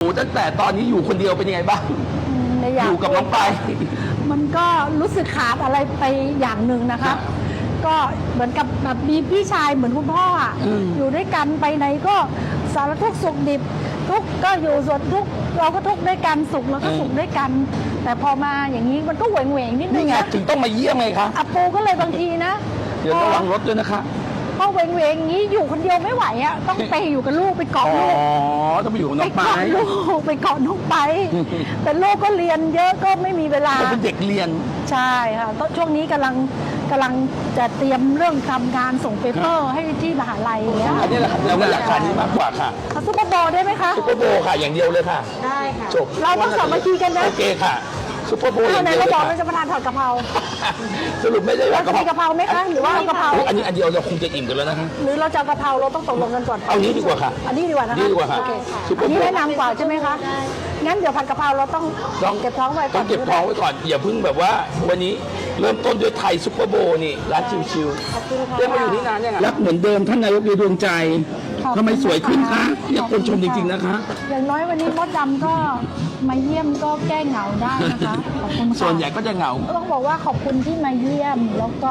ตั้งแต่ตอนนี้อยู่คนเดียวเป็นยังไงบ้างอยู่กับน้องไปมันก็รู้สึกขาดอะไรไปอย่างหนึ่งนะคะก็เหมือนกับแบบมีพี่ชายเหมือนคุณพ่ออ่ะอยู่ด้วยกันไปไหนก็สารทุกข์สุขดิบทุกข์ก็อยู่ส่วนทุกข์เราก็ทุกข์ด้วยกันสุขเราก็สุขด้วยกัน แต่พอมาอย่างนี้มันก็เหวงนิดนึนี่งไงนะถึงต้องมาเยี่ยมไงคะอาปูก็เลยบางทีนะเดี๋ยวระวังรถด้วยนะคะพอเหวงอย่างนี้อยู่คนเดียวไม่ไหวอ่ะต้องไปอยู่กับลูกไปเกาะลูกต้องไปอยู่กับน้องไปไปเกาะน้องไปแต่ลูกก็เรียนเยอะก็ไม่มีเวลาเป็นเด็กเรียนใช่ค่ะช่วงนี้กำลังจะเตรียมเรื่องทำงานส่งเปเปอร์ให้ที่มหาลัยเนี่ยอันนี้แหละครับเราก็อยากขายนี้มากกว่าค่ะซุปเปอร์โบว์ได้ไหมคะซุปเปอร์โบว์ค่ะอย่างเดียวเลยค่ะได้ค่ะจบเราต้องสามัคคีกันนะโอเคค่ะซุปเปอร์โบว์อย่างเดียวเลยค่ะเราบอกเราจะมาทานผัดกะเพราสรุปไม่ได้ว่ากะเพราไหมคะหรือว่ากะเพราอันนี้อันเดียวเราคงจะอิ่มกันแล้วนะคะหรือเราจะกะเพราเราต้องตกลงกันก่อนเอานี้ดีกว่าค่ะอันนี้ดีกว่านะคะดีกว่าค่ะอันนี้แนะนำกว่าใช่ไหมคะงั้นเดี๋ยวผัดกะเพราเราต้องเก็บท้องไว้ก่อนต้องเก็บท้องไว้ก่อนอย่าเพิ่งแบบว่าวันนี้เริ่มต้นด้วยไทยซุปเปอร์โบว์นี่ร้านชิวๆเรียกมาอยู่ที่นานยังไงรักเหมือนเดิมท่านนายกดวงใจทำไมสวยขึ้นคะอยากคนชมจริงๆนะคะอย่างน้อยวันนี้มดดำก็มาเยี่ยมก็แก้เหงาได้นะคะขอบคุณค่ะส่วนใหญ่ก็จะเหงาต้องบอกว่าขอบคุณที่มาเยี่ยมแล้วก็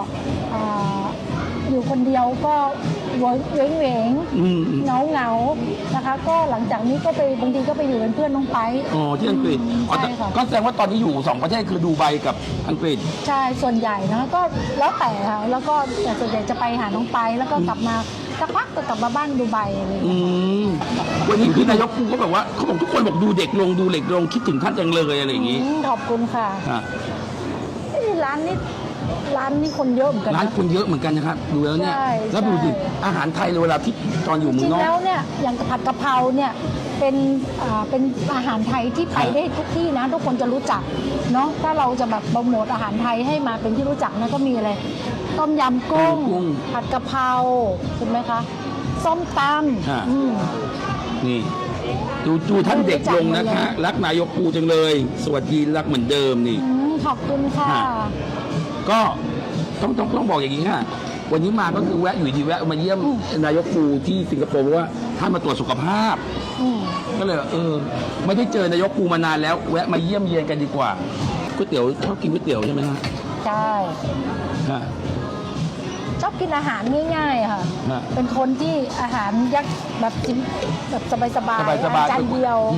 อยู่คนเดียวก็เหวงเหงานะคะก็หลังจากนี้ก็ไปบางทีก็ไปอยู่เป็นเพื่อนน้องไปอ๋อที่อังกฤษก็แสดงว่าตอนนี้อยู่2ประเทศคือดูไบกับอังกฤษใช่ส่วนใหญ่นะก็แล้วแต่ค่ะแล้วก็แต่ส่วนใหญ่จะไปหาน้องไปแล้วก็กลับมาสักพักก็กลับมาบ้านดูไบอะไรอย่างเงี้ยวันนี้คือนายกก็แบบว่าเขาบอกทุกคนบอกดูเด็กลงคิดถึงท่านจังเลยอะไรอย่างงี้ขอบคุณค่ะร้านนี้คนเยอะเหมือนกันร้านคนเยอะเหมือนกันนะครับดูแล้วเนี่ยแล้วดูดิอาหารไทยเวลาที่ตอนอยู่เมืองนอกจริงแล้วเนี่ยอย่างผัดกะเพราเนี่ยเป็นอาหารไทยที่ไปได้ทุกที่นะทุกคนจะรู้จักเนาะถ้าเราจะแบบโปรโมทอาหารไทยให้มาเป็นที่รู้จักนะก็มีอะไรต้มยำกุ้งผัดกะเพราใช่ไหมคะส้มตำนี่ดูท่านเด็กลงนะคะรักนายกปูจังเลยสวัสดีรักเหมือนเดิมนี่ขอบคุณค่ะก็ต้องบอกอย่างนี้ค่ะวันนี้มาก็คือแวะอยู่ดีแวะมาเยี่ยมนายกปูที่สิงคโปร์เพราะว่าท่านมาตรวจสุขภาพก็เลยไม่ได้เจอนายกปูมานานแล้วแวะมาเยี่ยมเยียนกันดีกว่าก๋วยเตี๋ยวชอบกินก๋วยเตี๋ยวใช่ไหมฮะใช่ชอบกินอาหารง่ายๆค่ะเป็นคนที่อาหารยักแบบกินแบบสบายๆจานเดียว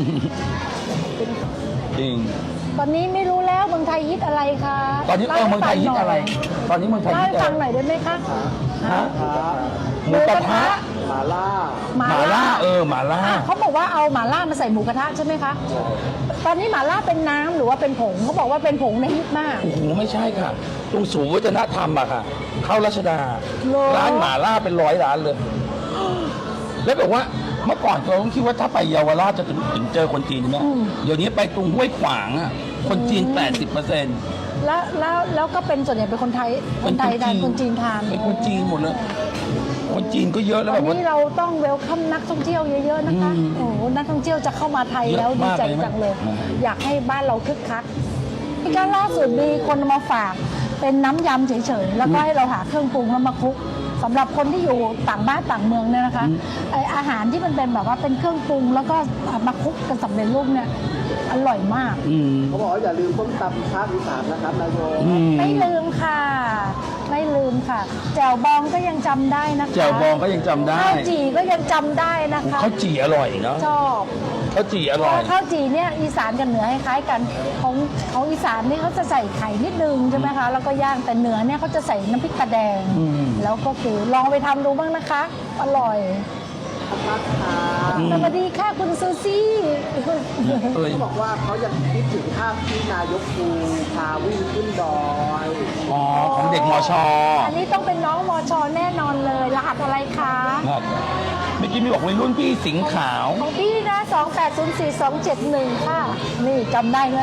จริงตอนนี้ไม่รู้แล้วเมืองไทยฮิตอะไรคะตอนนี้เมืองไทยฮิตอะไรตอนนี้เมืองไทยฮิตอะไรฟังหน่อยได้ไหมคะหมูกระทะหม่าล่าหม่าล่าหม่าล่าเขาบอกว่าเอาหม่าล่ามาใส่หมูกระทะใช่ไหมคะตอนนี้หม่าล่าเป็นน้ำหรือว่าเป็นผงเขาบอกว่าเป็นผงในฮิตมากโอ้โหไม่ใช่ค่ะตรงศูนย์วัฒนธรรมอะค่ะเข้ารัชดาร้านหม่าล่าเป็น100 ร้านเลยแล้วบอกว่าเมื่อก่อนเราต้องคิดว่าถ้าไปเยาวราชจะถึงเจอคนจีนใช่ไหมเดี๋ยวนี้ไปตรงห้วยขวางอะคนจีน 80% แล้วก็เป็นส่วนใหญ่เป็นคนไทยทานคนจีนทานเป็นคนจีนหมดเลยคนจีนก็เยอะแล้วแบบวันนี้เราต้องเวลคัมนักท่องเที่ยวเยอะๆนะคะโอ้โหนักท่องเที่ยวจะเข้ามาไทยแล้วดีใจจังเลยอยากให้บ้านเราคึกคักที่การล่าสุดมีคนมาฝากเป็นน้ำยำเฉยๆแล้วก็ให้เราหาเครื่องปรุงแล้วมาคลุกสำหรับคนที่อยู่ต่างบ้านต่างเมืองเนี่ยนะคะไออาหารที่มันเป็นแบบว่าเป็นเครื่องปรุงแล้วก็มาคลุกกันสำเร็จรูปเนี่ยอร่อยมากเขาบอกว่าอย่าลืมต้มตำภาคอีสานนะครับนายโยไม่ลืมค่ะไม่ลืมค่ะแจ่วบองก็ยังจำได้นะคะแจ่วบองก็ยังจำได้ข้าวจี่ก็ยังจำได้นะคะข้าวจี่อร่อยเนาะชอบข้าวจี่อร่อยข้าวจี่เนี่ยอีสานกับเหนือคล้ายกันของอีสานนี่เขาจะใส่ไข่นิดนึงใช่ไหมคะแล้วก็ย่างแต่เหนือเนี่ยเขาจะใส่น้ำพริกตาแดงแล้วก็คือลองไปทำดูบ้างนะคะอร่อยสวัสดีค่ะคุณซูซี่เขาบอกว่าเขายังคิดถึงภาพที่นายกปูพาวิ่งขึ้นดอยของเด็กมช. อันนี้ต้องเป็นน้องมช.แน่นอนเลยรหัสอะไรคะเมื่อกี้มีบอกวัยรุ่นพี่สิงห์ขาวของพี่นะ2804271ค่ะนี่จำได้เลย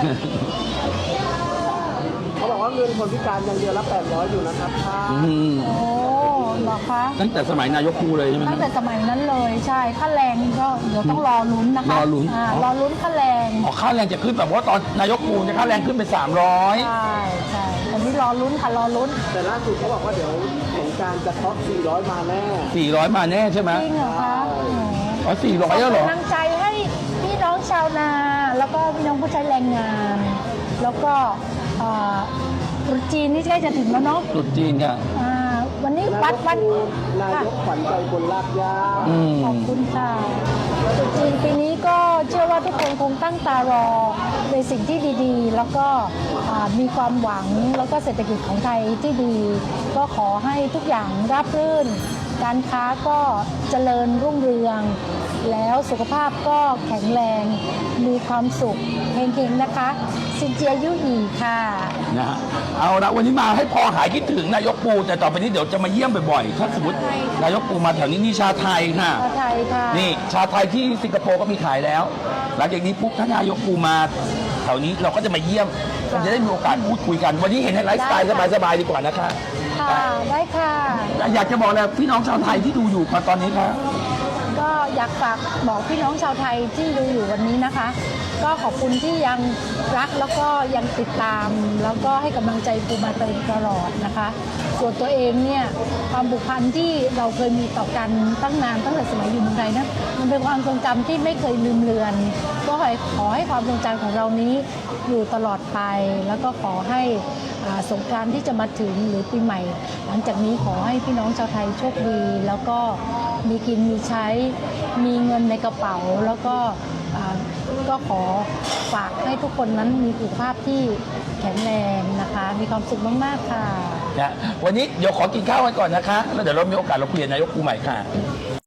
เขาบอกว่าเงินคนพิการยังเดือนละ800อยู่นะครับโอ้หรอคะตั้งแต่สมัยนายกปูเลยใช่ไหมตั้งแต่สมัยนั้นเลยใช่ค่าแรงก็เดี๋ยวต้องรอลุ้นนะคะรอลุ้นค่าแรงค่าแรงจะขึ้นแบบว่าตอนนายกปูจะค่าแรงขึ้นเป็น300 ใช่อันนี้รอลุ้นค่ะรอลุ้นแต่ล่าสุดเขาบอกว่าเดี๋ยวสงการจะเคาะ400มาแน่ 400มาแน่ใช่ไหมจริงเหรอคะ 400แล้วเหรอกำลังใจให้พี่น้องชพี่น้องผู้ใช้แรงงาน แล้วก็ตรุษจีนนี่ใกล้จะถึงแล้วเนาะตรุษจีนค่ะวันนี้วัดนายกขวัญใจคนลากย่าขอบคุณค่ะตรุษจีนปีนี้ก็เชื่อว่าทุกคนคงตั้งตารอในสิ่งที่ดีๆ แล้วก็มีความหวังแล้วก็เศรษฐกิจของไทยที่ดี ก็ขอให้ทุกอย่างราบรื่น การค้าก็เจริญรุ่งเรือง แล้วสุขภาพก็แข็งแรง มีความสุขเฮงๆนะคะซินเจียยุหยีค่ะนะฮะเอาละวันนี้มาให้พอหายคิดถึงนายกปูแต่ต่อไปนี้เดี๋ยวจะมาเยี่ยมบ่อยๆถ้าสมมตินายกปูมาแถวนี้นี่ชาไทยค่ะชาไทยค่ะนี่ชาไทยที่สิงคโปร์ก็มีขายแล้ว หลังจากนี้ปุ๊บถ้านายกปูมาแถวนี้เราก็จะมาเยี่ยมเราจะได้มีโอกาสพูดคุยกัน วันนี้เห็นในไลฟ์สไตล์สบายๆดีกว่านะคะค่ะได้ค่ะอยากจะบอกอะไรพี่น้องชาวไทยที่ดูอยู่มาตอนนี้ครับก็อยากฝากบอกพี่น้องชาวไทยที่ดูอยู่วันนี้นะคะ ก็ขอบคุณที่ยังรักแล้วก็ยังติดตาม แล้วก็ให้กำลังใจปูมาตลอดนะคะ ส่วนตัวเองเนี่ยความผูกพันที่เราเคยมีต่อกันตั้งนานตั้งแต่สมัยอยู่เมืองไทยนะมันเป็นความทรงจำที่ไม่เคยลืมเลือน ก็ขอให้ความทรงจำของเรานี้อยู่ตลอดไป แล้วก็ขอให้สงกรานต์ที่จะมาถึงหรือปีใหม่ หลังจากนี้ขอให้พี่น้องชาวไทยโชคดี แล้วก็มีกินมีใช้มีเงินในกระเป๋า แล้วก็ก็ขอฝากให้ทุกคนนั้นมีสุขภาพที่แข็งแรงนะคะ มีความสุขมากๆค่ะนะวันนี้เดี๋ยวขอกินข้าวกันก่อนนะคะ แล้วเดี๋ยวเรามีโอกาสเราคุยกับนายกปูใหม่ค่ะ